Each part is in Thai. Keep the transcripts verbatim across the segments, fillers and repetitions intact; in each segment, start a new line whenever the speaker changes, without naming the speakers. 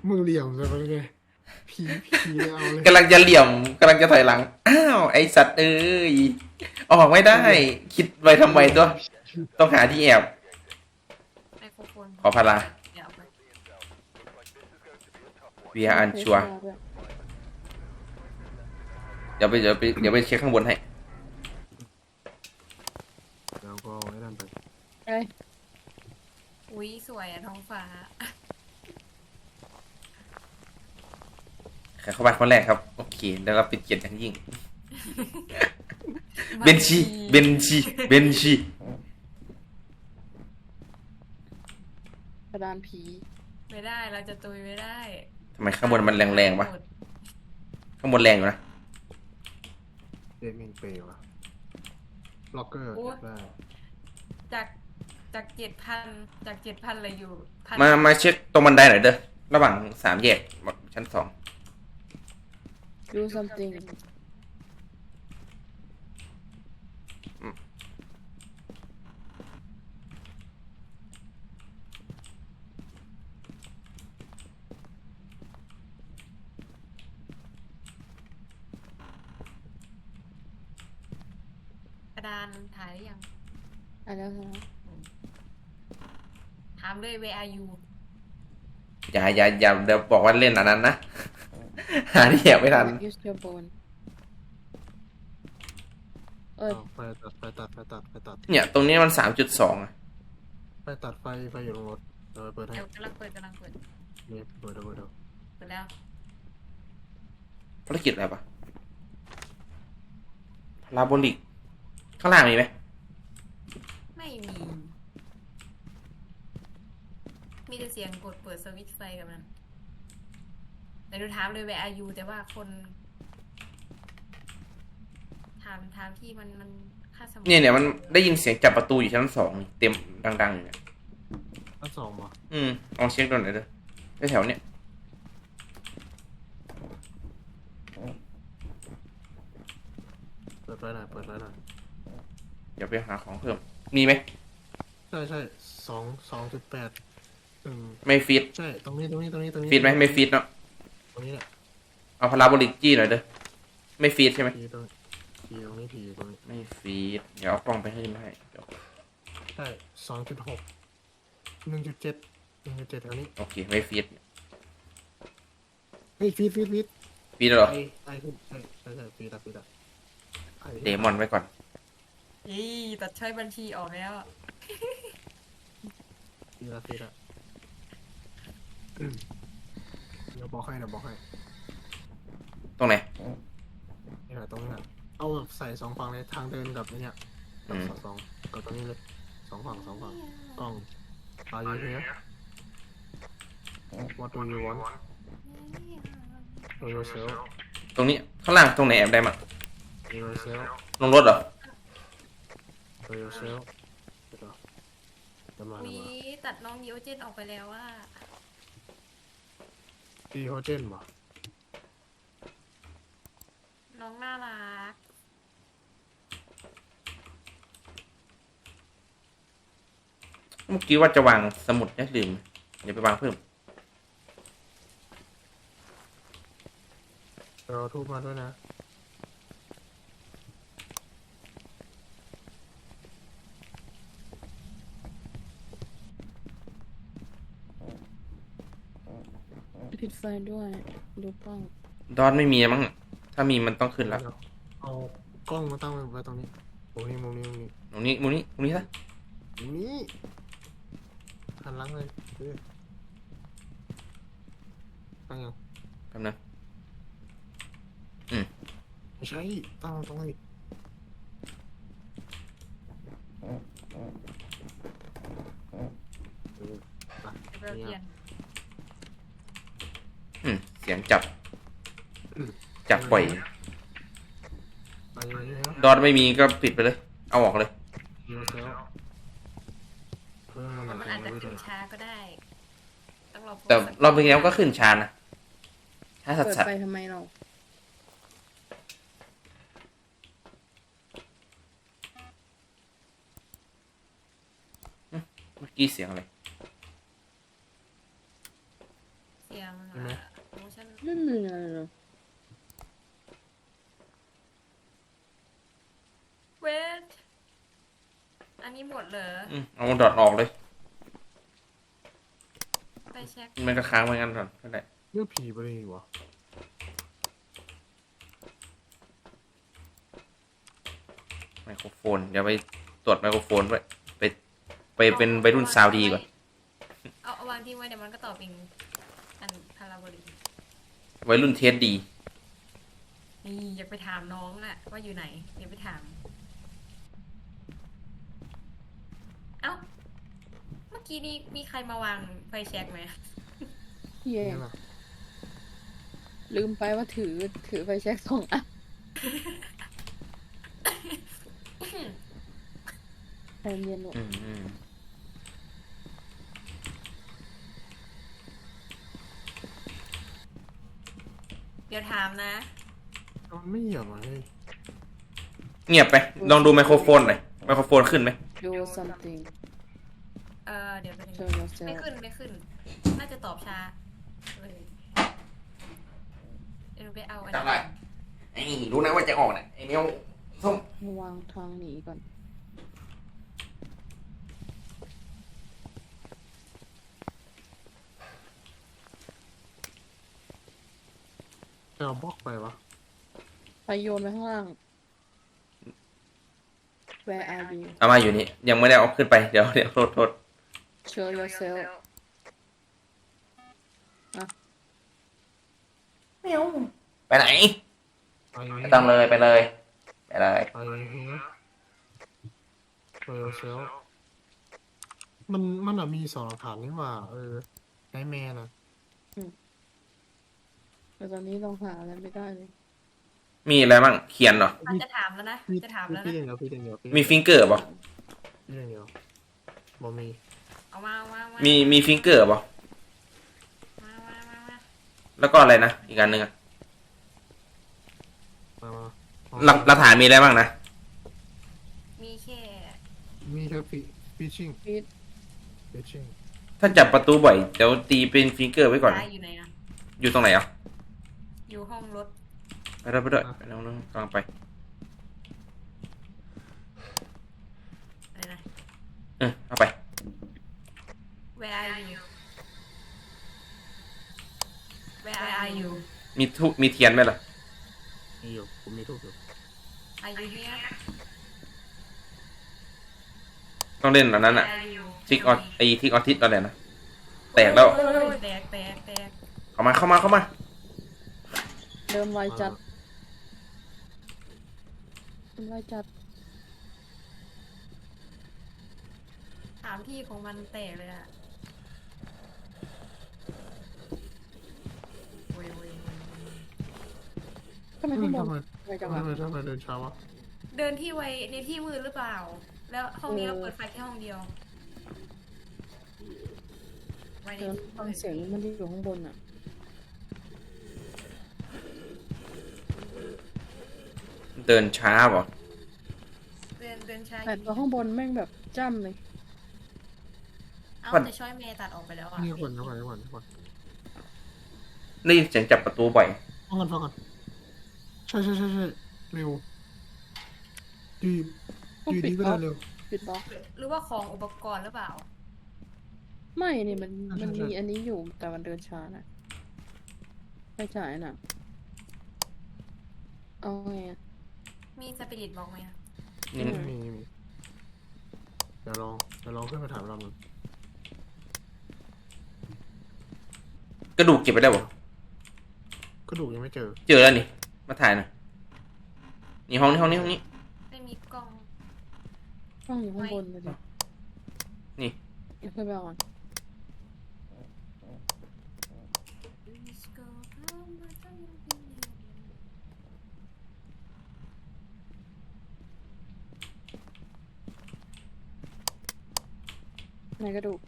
มึงเหลี่ยมจะไปเลยผีผีเอาเลย
กำลังจะเหลี่ยมกำลังจะถอยหลังอ้าวไอสัตว์เอ้ยออกไม่ได้
เหลี่ยม
คิดไว้ทำไม
เหลี่ยม
ตัว
ผี
ต้องหาที่แอบ
ไมโครโฟน
ขอพารา
เดี๋ยวเอาไป
เวียอัน
เพ
ชัว
ชรด้วย
เดี๋ยวไปเดี๋ยวไปเดี๋ยวไปเช็คข้างบนให้
แล้วก็ไว้นั่นไป
เอ้ย
อุ้ยสวยอะท้องฟ้า
ใครเข้าบ้านคนแรกครับโอเคได้รับเป็นเกียรติอย่างยิ่งเบนชีเบนชีเบนชี
กระดานผี
ไม่ได้เราจะตุยไม่ได้
ทำไมข้างบนมันแรงๆวะข้างบนแรงอยู่นะ
เดมินเปย์วะล็อกเกอร์ได้
จากจากเจ็ดพันจากเจ็ดพันเลยอยู่พัน
มามาเช็คตรงบันไดหน่อยเด้อระหว่างสามแยกชั้นสอง
ดู something
กระดานถ่ายหรือยัง
อ่ะแล้วนะ
ถามเลย where are you
อย่าอย่าอย่าเดี๋ยวบอกว่าเล่นอันนั้นนะ หาที่แอบไม่ทัน
use your bone เอ้ย
เอาไฟตัดไฟตัดไฟตัดไฟตัด
เนี่ยตรงนี้มันสามจุดสองอะ
ไฟตัดไฟไฟอยู่ตรงรถเดี๋ยวไปเปิดให้
เดี๋ยวกำลังเปิดกำลังเปิด
นี่เปิดเดี๋ยวเปิดเดี๋ยว
เปิดแล้ว
ภารกิจอะไรปะพาราโบลิกข้างล่างมีไหม
ไม่มี มีแต่เสียงกดเปิดสวิตช์ไฟกับมันแต่ดูถามเลย where are you แต่ว่าคน ถามถามที่มันมันค่าสมอง
เนี่ยเนี่ยมันได้ยินเสียงจับประตูอยู่ชั้นสองเต็มดังๆอยู่เนี่ย
อันสองวะ
อืมลองเช็คดูหน่อยเด้อแถวๆเนี่ย
เปิดไฟหน่อยเปิดไฟหน่อย
เดี๋ยวไปหาของเพิ่มมีไหม
ใช่ใช่สองสองจุดแปดอืม
ไม่ฟีด
ใช่ตรงนี้ตรงนี้ตรงนี้ตรงนี้
ฟีดไหมไม่ฟีดเนาะ
ตรงนี้แหละ
เอาพาราโบลิกจี้หน่อยเด้อไม่ฟีดใช่ไหม
ผีตรงผีตรงนี้ผีตรงนี้
ไม่ฟีดเดี๋ยวเอากล้องไปให้มาให้เดี๋ยว
ใช่สองจุดหกหนึ่งจุดเจ็ดหนึ่งจุดเจ็ดแถวนี้
โอเคไม่ฟีด
เฮ้ยฟีดฟีดฟีด
ฟีดแล้วเหรอ
ไอไอขึ้นใช่ใช่ใช่ฟีดอะฟีดอะไอ
เดมอนไว้ก่อน
อีตัดช่อยบัญชีออกแล้ว
ฟีดอะฟีดอะอืมเดี๋ยวบอกให้เดี๋ยวบอกให้
ตรงไหน
นี่แหละตรงนี้แหละเอาแบบใส่สองฝั่งเลยทางเดินกับไอ้เนี่ยกับสองสองกับตรงนี้เลยสองฝั่งสองฝั่งกล้อง Are you here What do you want Do yourself
ตรงนี้ข้างล่างตรงไหนแอบได้มั้ง
Do yourself
ลงรถเหรอ
Do yourself เดี๋ยวจะมา
วี
แล้วมา
ตัดน้องดิโอเจนออกไปแล้วว่า
ดีโฮเจนบ่
น้องน่ารัก
เมื่อกี้ว่าจะวางสมุดเนี่ยลืมเดี๋ยวไปวางเพิ่ม
เดี๋ยวเราทุบมาด้วยนะ
ปิดไฟด้วย ดูกล้อง
ดอนไม่มีมั้งถ้ามีมันต้องขึ้นแล้ว
เอากล้องมาตั้งไว้ตรงนี้มุมนี้มุมนี้มุมนี้
ตรงนี้มุมนี้มุมนี้ซะ
มุมนี้หันหลังเลยเออตั้งยัง
แป๊บนึง
ไม่ใช่ตั้งตรงนี้เออไป
เดี๋ยวเราเปลี่ยน
อืมเสียงจับจับปล่อย
ไปเลยนะ
ดอนไม่มีก็ปิดไปเลย เอาออกเลย
ยูเซลเพิ่มมัน
มันอาจจะขึ้นช้าก็ได้ ต้องรอ
แต่รอบที่แล้วก็ขึ้นชานะถ้าสั
เปิด
สัด
ไฟทำไมเรา
เมื่อกี้เสียงอะไร
เสีสียง
เห็นไหม
โมชั่น
ไม่มีอะไรเลย
เวทอันนี้หมดเหรอ
อืมเอาดอทออกเลย
ไปเช็ค
มันก็ค้างไว้งั้นก่อนก็ได้
เรื่องผีไปเลยวะ
ไมโครโฟนเดี๋ยวไปตรวจไมโครโฟนด้วยไปไปเป็นวัยรุ่นซาวดีก่อน
เอาเอาวางทิ้งไว้เดี๋ยวมันก็ตอบเองอันพาราโบลิก
วัยรุ่นเทสดี
นี่อยากไปถามน้องอะว่าอยู่ไหนอยากไปถาม เอ้า เมื่อกี้นี้มีใครมาวางไฟแช็กไหม
เย่
เนี่ยนะ
ลืมไปว่าถือถือไฟแช็กสองอันใจเย็นหนู
อืมอืม
เดี๋ยวถามนะ
มันไม่เหยียบอ่ะเฮ้ย
เงียบไปลองดูไมโครโฟนหน่อยไมโครโฟนขึ้นไหม
ดู something
เออเดี๋ยวไป
show
ไม่
yourself
ขึ้นไม่ขึ้น น่าจะตอบช้าเลยเดี๋ยวหนูไปเอาอัน
จับ
นี้
ไรไอ้รู้นะว่าจะออกเนี่ยไอ้เนี้ยส้ม
วางทางหนีก่อน
จะเอาบล็อกไปวะ
ไปโยนไปข้างล่าง Where are you
เอามาอยู่นี่ยังไม่ได้เอาขึ้นไปเดี๋ยวเดี๋ยวโทษโทษ
show yourself
ไปไหน
ไปอย่าง
ไม่
นี้
ต้องเลยไปเลยไปเลย
ไปอย่างนี้ไปเซลมันมันอะมีสองหลักฐานนี่หว่า เออไนท์แมนอะ
แต่ตอนนี้เราหาอะไรไม่ได้เลย
มีอะไรบ้างเขียนเหรอ
อาจจะถามแล้วนะ
พี่
จะถาม
พี่
แล้ว
พี่
นะ
เดียวพี่เดียวพี่
มีฟิงเกอร์ป่ะ
พี่เดียวบ่มี
เอามาเอามาเอามา
มีมีฟิงเกอร์ป่ะ
มามามามา
แล้วก็อะไรนะอีกอันหนึ่งอะ
มามา
หลักหลักฐานมีอะไรบ้างนะ
มีแค่
มีแค่ฟิฟิชชิ่ง
ฟีด
ฟิชชิ่ง
ถ้าจับประตูบ่อยเดี๋ยวตีเป็นฟิงเกอร์ไว้ก่อน
ตายอยู่ไหนนะ
อยู่ตรงไหนอ่ะ
อยู่ห้องรถ
ไปด้วยไปด้วยไปน้องน้องกำลังไป
อะไรนะ
เออเอาไป
Where are you Where are you
มีทุมีเทียนไหมล่ะ
มีอยู่ผมมีทุกอยู่
Are you here
ต้องเล่นอันนั้นอ่ะ
Where are you
ทิกออไอทิกออทิสอะไรนะแตกแล้ว
โอ้ยแตกแตกแตก
เข้ามาเข้ามาเข้ามา
เดินไวจัดเดินไวจัด
ถามที่ของมันแตกเลยอะโวยโวยโวยโวย
ทำไม
ทำ
ข้างบ
ไม
นไวจัง
ทำ
วะ
ไมทำไมเดินช้าวะ
เดินที่ไวในที่มืดหรือเปล่า แล้วห้องนี้
เออ
เราเปิดไฟแค่ห้องเดียวไว้ใน
เดิน
ที่
ฟัง
มืด
เสียงมันที่อยู่ข้างบนอ่ะ
เดินช้าป่ะ
เดินเดินช้า
แต่ตัวข้างบนแม่งแบบจ้ำเลย
เอ้าจะช่วยเมย์ตัดออกไปแล้วอ่ะ
นี่คนนี่คนนี่คนนี่คน
ได้ยินเสียงจับประตูบ่อย
ฟังกันฟังกันใช่ใช่ใช่ใช่เร็วดี
ต้อง
ดี
ปิ
ดี
ด
ก็
บล็
ได้
อก
เร็ว
ปิดบล็อก
หรือว่าของอุปกรณ์หรือเปล่า
ไม่นี่มัน
ใช่
มัน
ใช่
มีอันนี้อยู่แต่มันเดินช้านะไม่จ่ายน่ะเอาไงอะ
มีสปิริตบอกไหมอะ
นี่
มีมีมีเดี๋ยวลองเดี๋ยวลองขึ้นมาถามเราหน่อย
กระดูกเก็บไปได้ป่ะ
กระดูกยังไม่เจอ
เจอแล้วนี่มาถ่ายหน่อยนี่ห้องนี้ห้องนี้ห้องนี้
ไม่มีกล้อง
ต้องอยู่ข้างบนเลยดิ
นี่
เดี๋ยวขึ้นไปเอาก่อนไหนกระดูก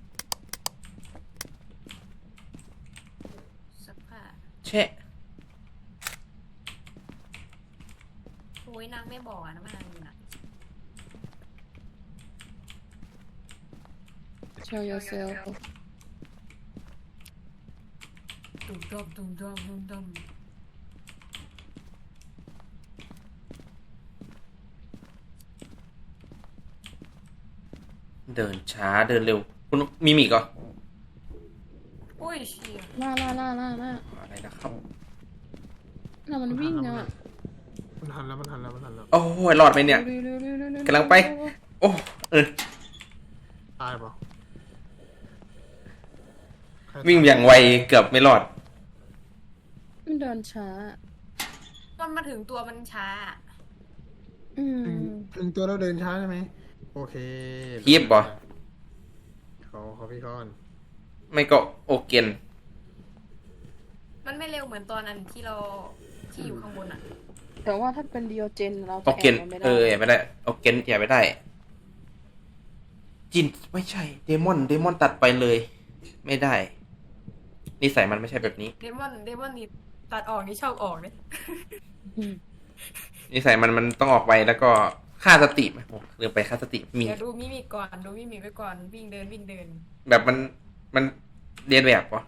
สักผ้า
แช่
โอ้ยนางไม่บอกอะนะว่านางอยู่ไหน
show yourself
ดอมดุมดอมดุมดอม
เดินช้าเดินเร็ว คุณมีมิกเหรอ
โอ้ยเชี่ย
ล่าล่าล่าล่าล่า
อะไรนะครับ
น่ะมันวิ่งอ่ะ
มันทันแล้วมันทันแล้วมันทันแล้ว
โอ้ยรอดไหมเนี่ย
เร็วเร็วเร็วเร็วเร็ว
กำลังไป โอ้เออ
ตายปะใครต
วิ่งอย่างไวเกือบไม่รอด
มันเดินช้า
ตอนมาถึงตัวมันช้า
อืม
ถึงถึงตัวเราเดินช้าใช่ไหมโอเค
คีบบ่
เขาเขาพี่ก้อน
ไม่ก็โอเกน
มันไม่เร็วเหมือนตอนนั้นที่เราที่อยู่ข้างบนอ่ะ
แต่ว่าถ้าเป็นดิโอเจนเรา
โอ
จะ
เก
แอน บมันไม่ได้
เออแอบไม่ได้โอเกนแอบไม่ได้ จินไม่ใช่เดมอนเดมอนตัดไปเลย ไม่ได้นิสัยมันไม่ใช่แบบนี้
เดมอนเดมอนนี่ตัดออกนี่ชอบออกเลย
อืม
นิสัยมันมันต้องออกไปแล้วก็ค่าสติไหมโอ้ลืมไปค่าสติมี
เดี๋ยวดูมิมิกก่อนดูมิมิกไว้ก่อนวิ่งเดินวิ่งเดิน
แบบมันมันเรียนแบบวะ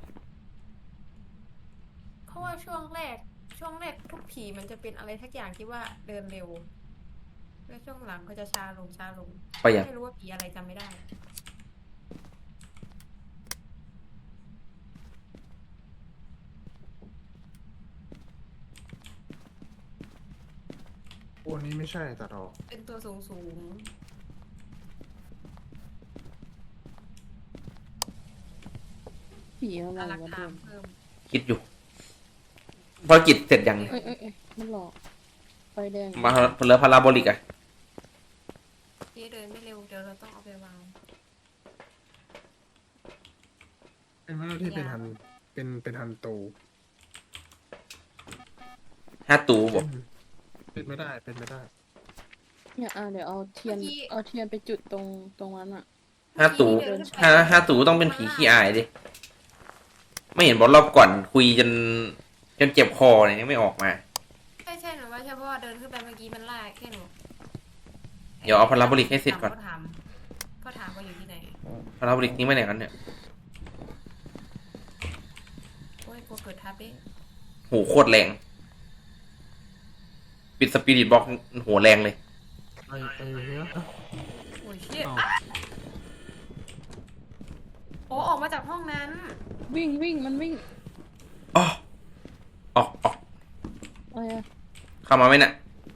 เพราะว่าช่วงแรกช่วงแรกทุกผีมันจะเป็นอะไรทักอย่างที่ว่าเดินเร็ว แล้วช่วงหลังก็จะช้าลงช้าลง
ไปอย่าง
ไม่รู้ว่าผีอะไรจำไม่ได้
โอ้นี้ไม่ใช่ตัดออก
เป็นตัวสูงสูง
ผีอะไร
อลัก
วะ
ถา
เดิ
ม
น
เพิ่ม
คิดอยู่ภารกิจเสร็จยัง
เอ้ยเอ้ยเอ้ยมันหลอกไฟแดง
มาเหลือพาราโบลิกอะ
เจ๊เดินไม่เร็วเดี๋ยวเราต้องเอาไปวาง
เป็นว่าที่เป็นทันเป็นเป็นทันโต
ห้าตูบอก
เป็นไม่ได้เป็นไม่ได้
เนี่ยอ่ะเดี๋ยวเอาเทียนเอาเทียนไปจุดตรงตรงนั้นอ่ะ
ห้าตูห้าห้าตูต้องเป็นผีขี้อายดิไม่เห็นบอกรอบก่อนคุยจนจนเจ็บคอเลยยังไม่ออกมา
ใช่ใช่หนูว่าใช่เพราะว่าเดินขึ้นไปเมื่อกี้มันลากแค่หนู
เดี๋ยวเอาพาราโบลิกให้เสร็จก่อน
เขาถามเขาถามว่าอยู่ที่ไหน
พาราโบลิกนี้ไม่ไหนกันเนี่ย
โอ้ยกลัวเกิดทับดิ
โหโคตรแรงปิดสปิริตบล็อกโหแรงเลย
ไอ้ไอ้เนี้ย
โอ้ยเชี่ย
เอา
โอ้ออกมาจากห้องนั้น
วิ่งวิ่งมันวิ่ง
อ๋อออกออก
อะไรอ่ะ
เข้ามาไหมเนี่ย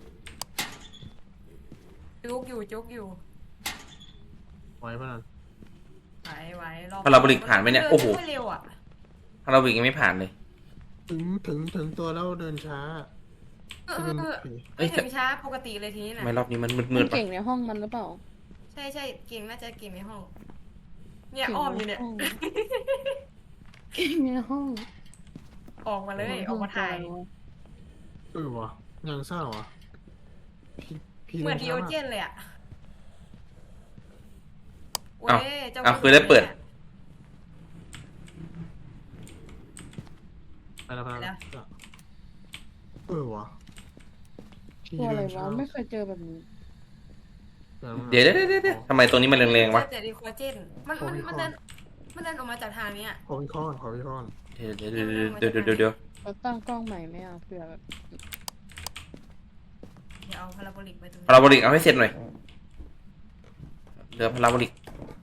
จุกอยู่จุกอยู่
ไว้ปะนั่น
ไหวไหวรอ
พาราโบลิกผ่านไหมเนี่ยโอ้โห
ดิไม่เร็วอ่ะ
พาราโบลิกยังไม่ผ่านเลย
ถึงถึงถึงตัวแล้วเดินช้า
เออ
ที่
เอ
เป็น
อเออ
ผี
เอ้
ไม่
ย
ถึงช้าปกติเลยทีนี้
ทำ
นะ
ไมรอบนี้มันมื
มั
ด
น
ๆปะ
เก่งในห้องมันหรือเปล่า
ใช่ใช่เก่งน่าจะเก่งในห้อง เนี่ยอ้อมอยู่เนี่ย
เก่งในห้อง
ออกมาเลยออกมาถ่าย
เออวะยังเศร้าอ่ะผีผี
เหมือน
ดิ
ดิ
ช้า
โอเจนเลยอ่ะเว้
อ้าวย
เจ้า
อ้าวคือได้เปิด
ไปแล้วไปแล้วเออวะผี
ตัวอะไร
เดินช้าว
ะไม่เคยเจอแบบนี้
เดี๋ยวเดี๋ยวเดี๋ยวเดี๋ยวทำไมตรงนี้มันแรงๆวะ
เจอแต่ดิโคเจนมันมันมันเดินมันเดินออกมาจากทางเนี้ย
ขอวิเคราะห์ก่อนขอวิเคราะห์ก่อน
เดี๋ยวเดี๋ยวเดี๋ยวเดี๋ยวเดี๋ยวเดี๋ยว
เราตั้งกล้องใหม่ไหมอ่ะเผื่อแบบ
เดี๋ยวเอาพาราโบลิกไปตรงนี้
พาราโบลิกเอาให้เสร็จหน่อยเหลือพาราโบลิก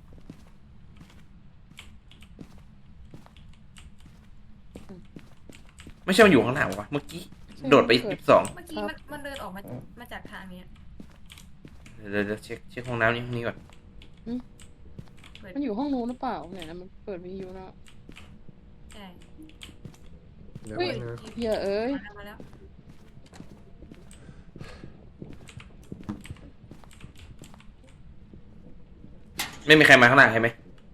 ไม่ใช่มันอยู่ข้างหลังวะเมื่อกี้โดดไปยี่สิบสอง
เมื่อกี้มันมันเดินออกมามาจากทางเนี้ย
เดี๋ยวเดี๋ยวเช็คเช็คห้องน้ำนี่ห้องนี้ก่อน
เปิด
มันอยู่ห้องนู้นหรือเปล่าเนี่ยนะมันเปิดวิทยุนะ
ใช่
เดี๋ยว
เฮ้ย
ไว้นะ
เหี้ยเอ้ย
มาแล้วมาแล้ว
ไม่มีใครมาข้างหลังใช่ไหม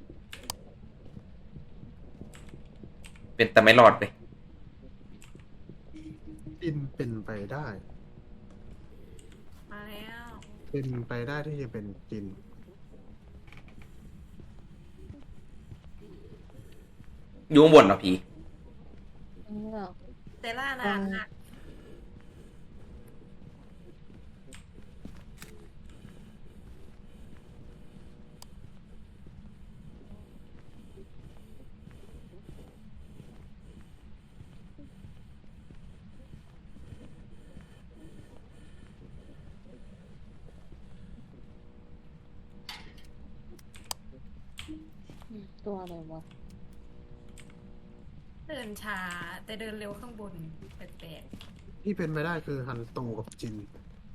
เป็นแต่ไม่รอดเลย
ปินเป็นไปได้
มาแล้ว
เป็นไปได้ที่จะเป็นจิน
อยู่ข้างบนเหรอผี
นี่เหรอ
เตล่านานมาก
ตัวอะไรวะ
เดินช้าแต่เดินเร็วข้างบนแปลก
ที่เป็นไปได้คือฮันโตกับจิน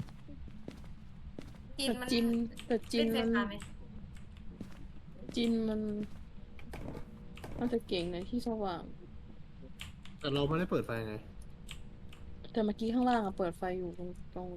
ๆจีน
แต่
มัน
จินแต่จิน
เล่นเซ
มัน
ฟาไหม
จินมันมันจะเก่งในที่สว่าง
แต่เราไม่ได้เปิดไฟไง
แต่เมื่อกี้ข้างล่างอะเปิดไฟอยู่ตรงตรง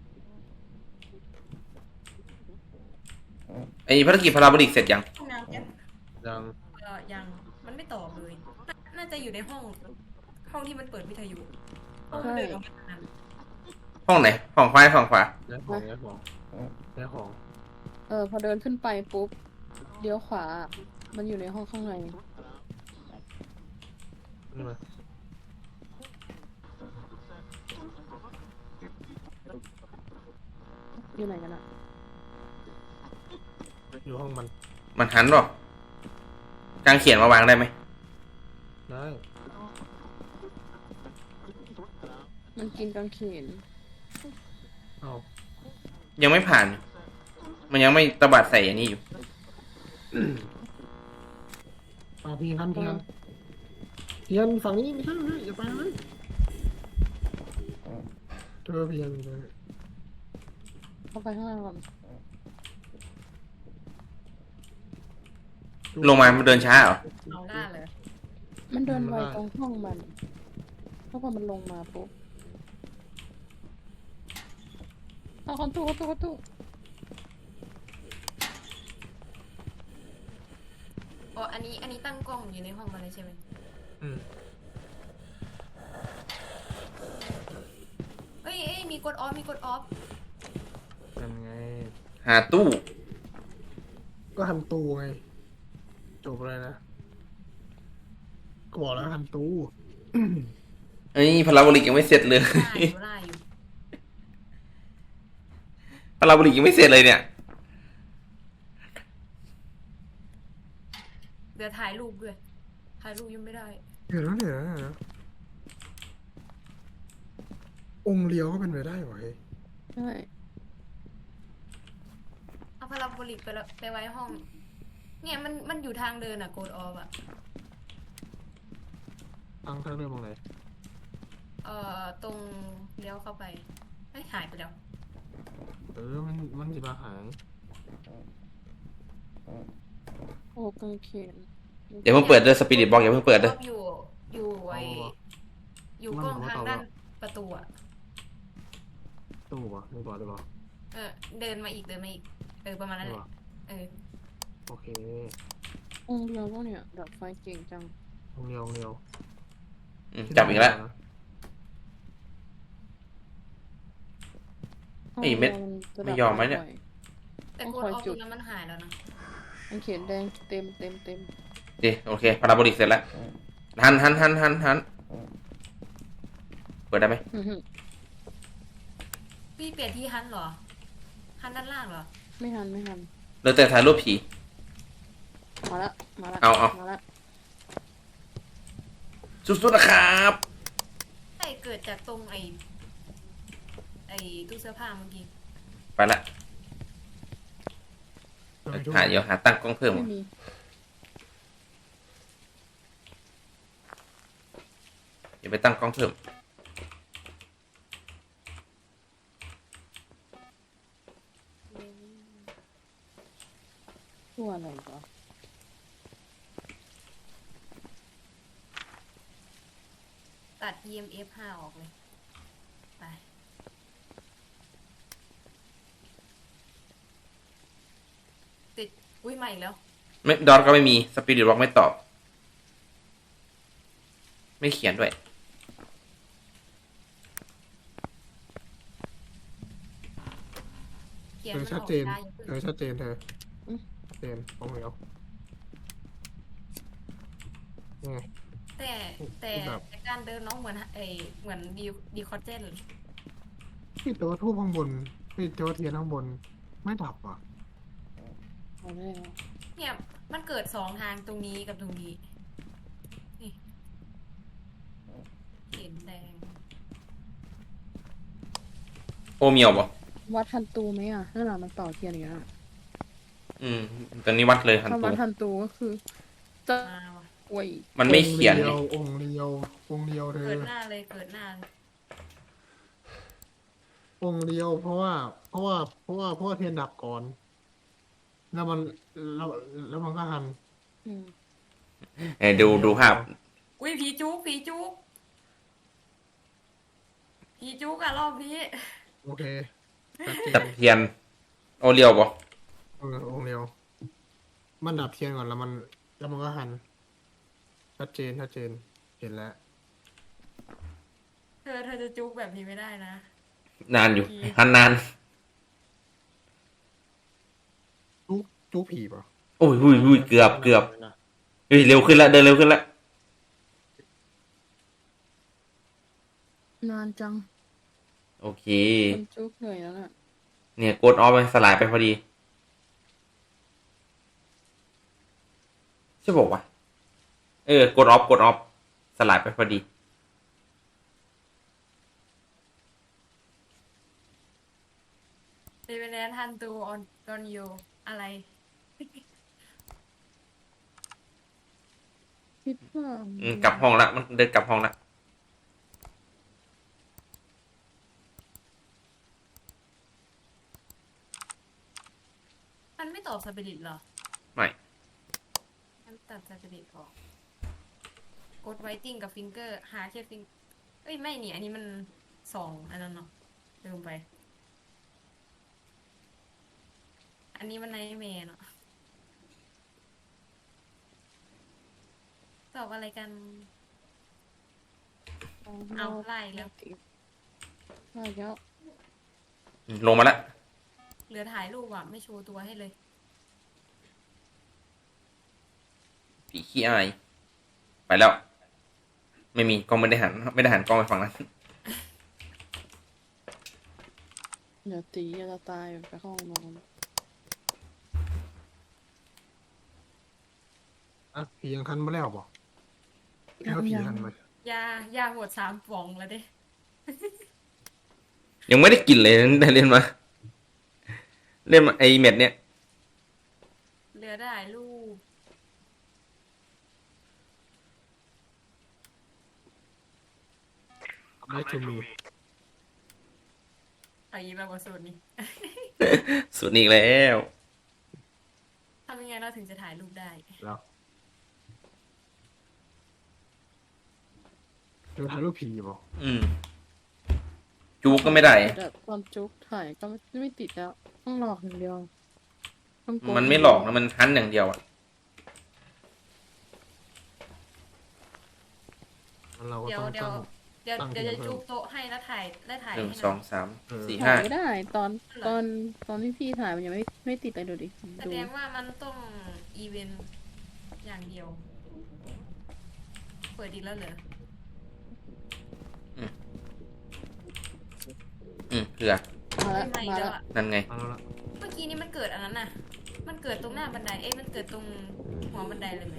ไอ้ภารกิจพาราโบลิกเสร็จยัง
ห้องน้ำแอป
ยัง
เออยังมันไม่ตอบเลยน่าน่าจะอยู่ในห้อง ห้องที่มันเปิดวิทยุห้องมันเดินออกมาทางนั้น
ห้องไหนห้องขวาห้องขวา
ย้ายของย้ายของย้ายของ
เออพอเดินขึ้นไปปุ๊บเลี้ยวขวา มันอยู่ในห้องข้างใน
นี่มา
อยู่ไหนกันอะ
อยู่ห้องมัน
มันหันหรอกกางเขียนมาวางได้ไหม
ได้
มันกินกางเขน
เอา
ยังไม่ผ่าน มันยังไม่ตบัดใส่อันนี้อยู่
เอาพี่ฮันพี่ฮันพี่ฮันฝั่งนี้ไม่ใช่ไม่ใช่อย่าไปเลยเธอพี่ฮันเลย
เข้าไปข้างล่างก่อน
ลงมามันเดินช้าเหรอ
เอาหน้าเลย
มันเดินไวตรงห้องมันเพราะพอมันลงมาปุ๊บเอาคอนตู้คอนตู้คอนตู้
อ๋ออันนี้อันนี้ตั้งกล้องอยู่ในห้องมันเลยใช่ไหม
อืม
เอ้ยเอ้ยมีกดออฟมีกดออฟ
ยังไง
หาตู้
ก็ฮันตูไงจบเลยนะก็บอกแล้วฮันตู
ไอ้ยพาราโบลิกยังไม่เสร็จเลย
ล่าอยู่ล่าอยู่
พาราโบลิกยังไม่เสร็จเลยเนี่ย
เดี๋ยวถ่ายรูปด้วยถ่ายรูปยังไม่ได้
เดี๋ยวนะเดี๋ยวนะเดี๋ยวนะองค์เลี้ยวก็เป็นไปได้เหรอเฮ้ย
ใช่
เอาพาราโบลิกไปแล้วไปไว้ห้อง เนี่ยมันมันอยู่ทางเดินอะโกดออฟอะ
ตั้งทางเริ่มตรงไหน
เอ่อตรงเลี้ยวเข้าไปเฮ้ยหายไปแล้ว
เออมันมันจะมาหาย
โอ้กางเขน
เดี๋ยวเพิ่งเปิดด้วยสปิริตบอกอย่าเพิ่งเปิดด้วย
อยู่อยู่ไออยู่กล้องทางด้านประตูอะ
ตู้ปะไม่บอกได้ปะ
เออเดินมาอีกเดินมาอีกเออประมาณนั้นแหละเออ
โอเค
องค์เดียวก็เนี่ยดับไฟเก่งจัง
องค์เลี้ยวองค์เลี้ยว
อืมจับอีกแล้ว ไอ้เม็ด
ห้งดีวจะดับ
ไม่ยอมไหมเนี่ย
บ่อ
แต่โกดออฟตรงนั้นมันหายแล้วนะ
กางเขนแดงเต็มเต็มเต็ม
ดีโอเคพาราโบลิกเสร็จแล้วหันหันหันหันหันเปิดได้ไหม
อื้อหือ
พี่เปลี่ยนที่ฮันเหรอฮันด้านล่างเหรอ
ไม่ทันไม่ทัน
เหลือแต่ถ่ายรูปผี
มาละมาละ
เอาเอา
มาละ
สุดๆนะครับ
ใช่เกิดจากตรงไอไอตู้เสื้อผ้าเมื่อกี้
ไปละหาเดี๋ยวหาตั้งกล้องเพิ่ม
ไม่มี
เดี๋ยวไปตั้งกล้องเพิ่ม
ตัวอะไรวะ
ตัด อี เอ็ม เอฟ ห้าออกเลยไปติดอุ้ยใหม่แล้ว
ไม่ดอทก็ไม่มีสปิริตบอกไม่ตอบ ไม่เขียนด้วย
เขียน
เธอ
มันอ
ชัด
อก
เจน
ได้อย่าเพิ่ง
เธอชัดเจนเธอชัดเจนองค์เลี้ยวนี่ไง
แต่แต่
แบบ
แต่การเดินน้องเหมือนไอเหมือนดีดีคอเจน
พี่ตัวทูบข้างบนพี่ตัวเทียนข้างบนไม่ดับอ่ะ
เอาแล้ว
เนี่ยมันเกิดสองทางตรงนี้กับตรงนี้นี่เห็นแดง
โอเมียวบ่
วัดทันตูไหมอ่ะนั่นแหละมันต่อเทียนอย่างเงี้ย
อืมตอนนี้วัดเลยหัน
ถ้า
ตั
วั
ว
ดทันตูก็คือจะ
มาว่ะ
โอ้ย
มันไม่เขียน
องค์
ไง
เดียวองค์เดียวองค์เดียวเธ
เกิ
อ
ดหน้าเลยเกิดหน้าเลย
องค์เดียวเพราะว่า เพราะว่า เพราะว่าเพราะว่าเทียนดับก่อน แล้วมันแล้วแล้วมันก็หัน
อืม
เออดูดูภาพ
อุ้ยผีจุกผีจุกผีจุกอะรอบนี้
โอเคชัดเจ
ตะ
น
เพียน โอเลียวบ่
เออองค์เดียว มันดับเทียนก่อนแล้วมัน แล้วมันก็หัน ชัดเจนชัดเจน เห็นแล้ว
เธอเธอจะจุกแบบนี้ไม่ได้นะ
นานอยู่หันนาน
จุกจุกผีป่ะ
โอ้ยอุ้ยอุ้ยเกือบเกือบเฮ้ยเร็วขึ้นละเดินเร็วขึ้นละ
นานจัง
โอเค
คนจุกเหนื่อยแล้วน่ะ
เนี่ยกดออฟไปสลายไปพอดีใช่บอกว่าเออกดออฟกดออฟสลายไปพอดี
เดเวแนนทันตูออนตอนยูอะไร
คิดว่า
อืมกลับห้องละมันเดินกลับห้องละ
มันไม่ตอบสปิริตเหรอ
ไม่
มันตัดสปิริตออกกดไวติ้งกับฟิงเกอร์ หาแค่ฟิงเอ้ยไม่นี่อันนี้มันสองอันนั้นเนาะลืมไป อันนี้มันไนท์แมร์เนาะตอบอะไรกัน เอาไล่แล้ว
ไล่แล้ว
อืมลงมาละ
เหลือถ่ายรูปอ่ะ ไม่โชว์ตัวให้เลย
ผีขี้อายไปแล้ว ไม่มีกล้องไม่ได้หันไม่ได้หันกล้องไปฝั่งนั้น
เดี๋ยวตีจะตายไปเข้าห้องนอน
อ่ะผียังทันมาแล้วป่ะแล้วผีทันไหม
ยายาหมดสามป่องแล้วเด้
ยังไม่ได้กินเลยได้เล่นมา เล่นมาไอเม็ดเนี่ย
เหลือได้รูป
ได้ทูมี
เอาอีกแล้วกว่าสูตรนี้
สุดอีกแล้ว
ทำยังไงเราถึงจะถ่ายรูปได้
แล้วเดี๋ยวถ่ายรูปผีป่ะ
อืม จูก็ไม่ได้
แต่ตอนจุกถ่ายก็ไม่ไม่ติดแล้ว ต้องหลอกอย่างเดียวต้องโกง
มันไม่หลอกนะมันทันอย่างเดียวอ่ะ
งั้นเราก็
เดี๋ยว
ต้อง
เดี๋ยว
ตั้ง
เดี๋ยว
ตั้ง
เดี๋ยวจะ
เพิ่ม
จูบโต๊ะให้แล้วถ่ายแล้วถ่าย
หนึ่ง
ให้
สองสาม
เออ
สี่
ถ่า
ห้า
ยไม่ได้ ตอนตอนตอนที่พี่ถ่ายมันยังไม่ไม่ติดเลยดูดิ
แส
ดู
ดงว่ามันต้องอีเวนต์อย่างเดียว เปิดอีกแล้วเหรอ
อืมเผื่อ
มาแล้ว
ไม่
มา
แล้
แล้ว ว
อะ
นั่นไง
เอาแล้วละ
เมื่อกี้นี้มันเกิดอันนั้นน่ะ มันเกิดตรงหน้าบันได เอ๊ะมันเกิดตรงหัวบันไดเลยไหม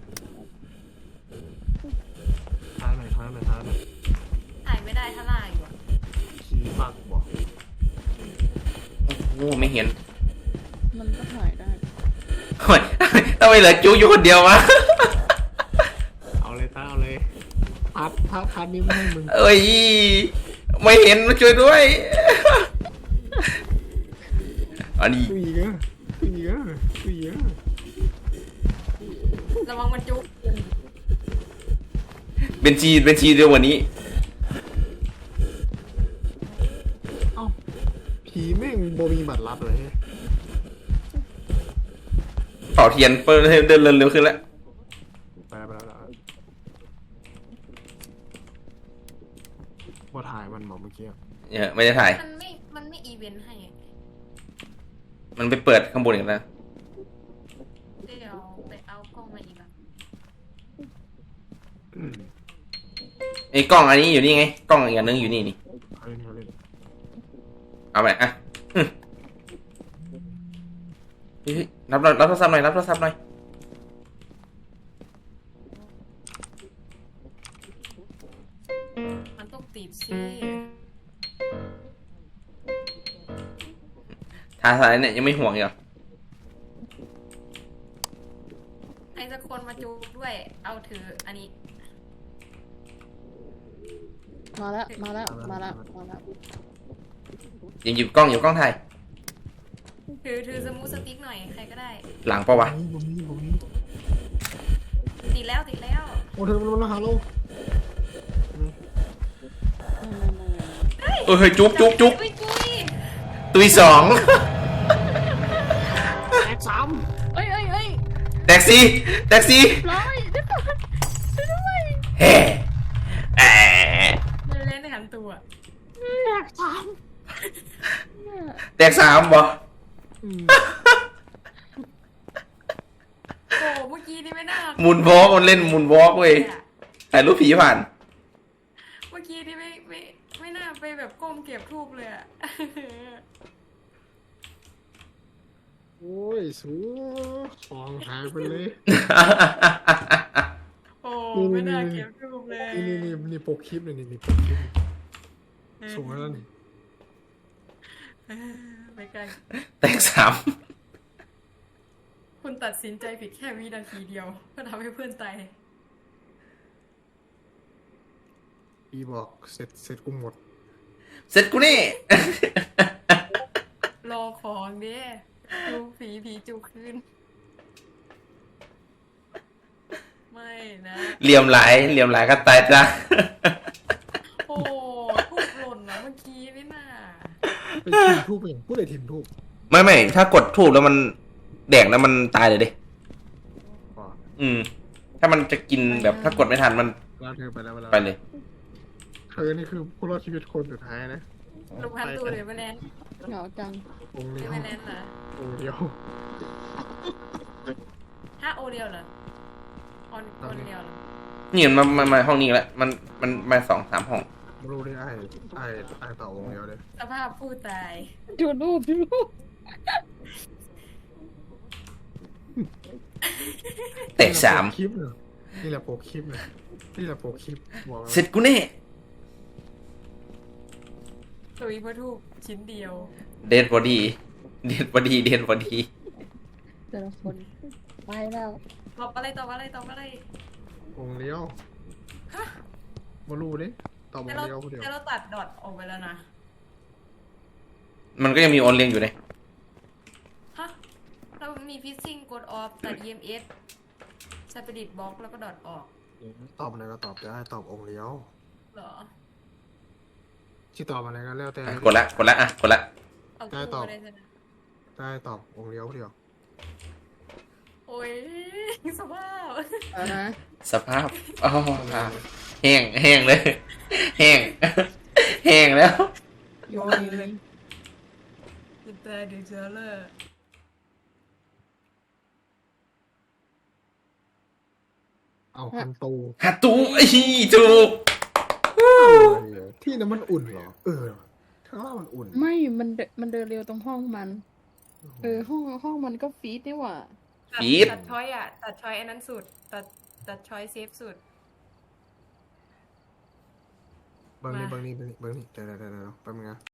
ท้ายหน่อยท้ายหน่อยท้ายหน่อย
ถ่ายไม่ได้ถ้าล่าอยู่อะ
ผีปักบอก
โอ้ไม่เห็น
มันก็ถ่ายได้
โอ้ยทำไมเหลือจูอยู่คนเดียววะ
เอาเลยต้าเอาเลยพัดพัดพัดนี้ไม่ให้มึง
เอ้ย ไม่เห็นมาช่วยด้วย อันนี้
ตุยเยอะตุยเยอะตุยเยอะ
ระวังมันจุก
เป็นชีเป็นชีเดียววันนี้
เอ้าผีแม่งโบมีบัตรลับเลย
เป่าเทียนเปิดให้เดินเร็วขึ้นแล้ว
ไปแล้วไปแล้วไปแล้วว่าถ่ายมันบอกเมื่อกี้อะ
เนี่ยไม่ได้ถ่าย
มันไม่ มันไม่อีเวนต์ให้อะ
มันไปเปิดข้างบนอีกแล้ว
เดี๋ยวไปเอากล้องมาอีกอะ
อืม
ไอ้กล้องอันนี้อยู่นี่ไง กล้องอีกอันนึงอยู่นี่นี่
เอาเล่นเอาเล่น
เอาไปอ่ะอืมเฮ้ยรับหน่อยรับโทรศัพท์หน่อยรับโทรศัพท์หน่อย
มันต้องติดสิ
ทาสายเนี่ยยังไม่ห่วงอีกเหรอ
ให้สักคนมาจูบถืออันนี้
มาแล้วมาแล้วมาแล้วมาแล้ว
ยังหยิบกล้องอยู่กล้องถ่าย
ถือถือสมูทสติ๊กหน่อยใครก็ได้
หลังปะวะ
ผมนี่ผมนี่
ติดแล้วติดแล้ว
โอ้เธอมันมาหาเรา
ไม่ไม่ไม่ไม่
เออเฮ้ยจุ๊บจุ๊บจุ๊บ
อุ้ยจุ้ย
ตุยสอง
แตกสาม
เอ้ยเอ้ยเอ้ย
แท็กซี่แท็กซี่
ร้อยเดี๋ยวก่อนช่วยด้วย
เฮ้แอะ
เล่นในหันตัว
แตกสาม
เนี่ย
แท็กสามบ่
อืม
โอ้เมื่อกี้นี่ไม่น่า
หมุนวอล์กมันเล่นหมุนวอล์กเว้ยถ่ายรูปผีผ่าน
เมื่อกี้นี่ไม่ไม่ไม่น่าไปแบบก้มเก็บทูบเลยอะ
โอ้ยสูของหายไปเลย
โอ้ไม่น่าเก็บทูบเลย
นี่นี่นี่นี่โปกคลิปเลยนี่นี่โปกคลิปสูงแล้วนี่
ไม่กล้า
แท็กสาม
คุณตัดสินใจผิดแค่วินาทีเดียวก็ทำให้เพื่อนตาย
พี่บอกเสร็จเสร็จกูหมด
เสร็จกูนี่
รอของเด้ดูผีผีจูคืนไม่นะ
เหลี่ยมหลายเหลี่ยมหลายก็ตายจ้ะ
โอ้ทูบหล่นนะเมื่อกี้นี่น่ะ
ไปทีมทูบเองพูดเลยทีมทูบ
ไม่ไม่ถ้ากดถูกแล้วมันแดงแล้วมันตายเลยดิ
อ๋อ
อืม ถ้ามันจะกินแบบถ้ากดไม่ทันมัน
แล้วเธอไปแล้วไปแล้ว
ไปเลย
เธอนี่คือผู้รอดชีวิตคนสุดท้ายนะ
ลงพันตัวเลยไปแลนด์
เหงาจัง
องค์
หรื
เดี
อ
ยว
ไปแลนด์นะ
องค์เดียว
ถ้าโอเดียวเหรอออนโอเดียวเหรอ
นี่มันมามาห้องนี้แล้วมันมันมาสองสามห้อง
ไม่รู้ได้ไอ้ไอ้ไอ้ต่อองค์เดียวเลย
สภาพผู้ตาย
ดูรูปดูรูป
แตกสาม
คลิปเนี่ยนี่แหละโปกคลิปเนี่ยนี่แหละโปกคลิปบอก
เสร็จกูแน่
ตุยเพื่อทูบชิ้นเดียว
เดนบอดี้เดนบอดี้เดนบอดี้
แต่ละคนไปแล้ว
ตอบอะไรตอบอะไรตอบอะไร
องค์เดียวมารู้ดิต่ออ
แต่
ง
เรา
ค์เดียวคนเดียว
แต่เราตัดดอทออกไปแล้วนะ
มันก็ยังมีออนเลียงอยู่เลย
ฮะเรามีฟิซซิ่งกดออฟตัด อี เอ็ม เอส สปิริตบล็อกแล้วก็ดอทออก
ตอบอะไรก็ตอบได้ตอบองค์เดียว
เหรอ
ที่ตอบอะไรก็แล้วแต่
อ่ะกดละกดละอ่ะกดละ
เอา
ได้
คู่
ตอบ
มาเลยสินะ
ได้ตอบองค์เดียวคนเดียว
โอ้ยสภาพ
เอานะ
สภาพอ๋อแห้งแห้งเลย แห้ง แห้งแล้ว
โยนเลย
จิตใจดีเจอเลย
เอาคันตู
ฮัตตูไอ้ถูก
ที่นั้นมันอุ่นเหรอเออข้างล่างมันอุ่น
ไม่มันเดินมันเดินเร็วตรงห้องมัน เออห้องห้องมันก็ฟีดนี่หว่า
ตัด
ฟีด
ตัดช้อยอ่ะ ตัดช้อยอันนั้นสุด ตัดตัดช้อยเซฟสุด
เบิ้งนี่เบิ้งนี่เบิ้งนี่เบิ้งนี่เดี๋ยวเดี๋ยวเดี๋ยวแป๊บนึงนะ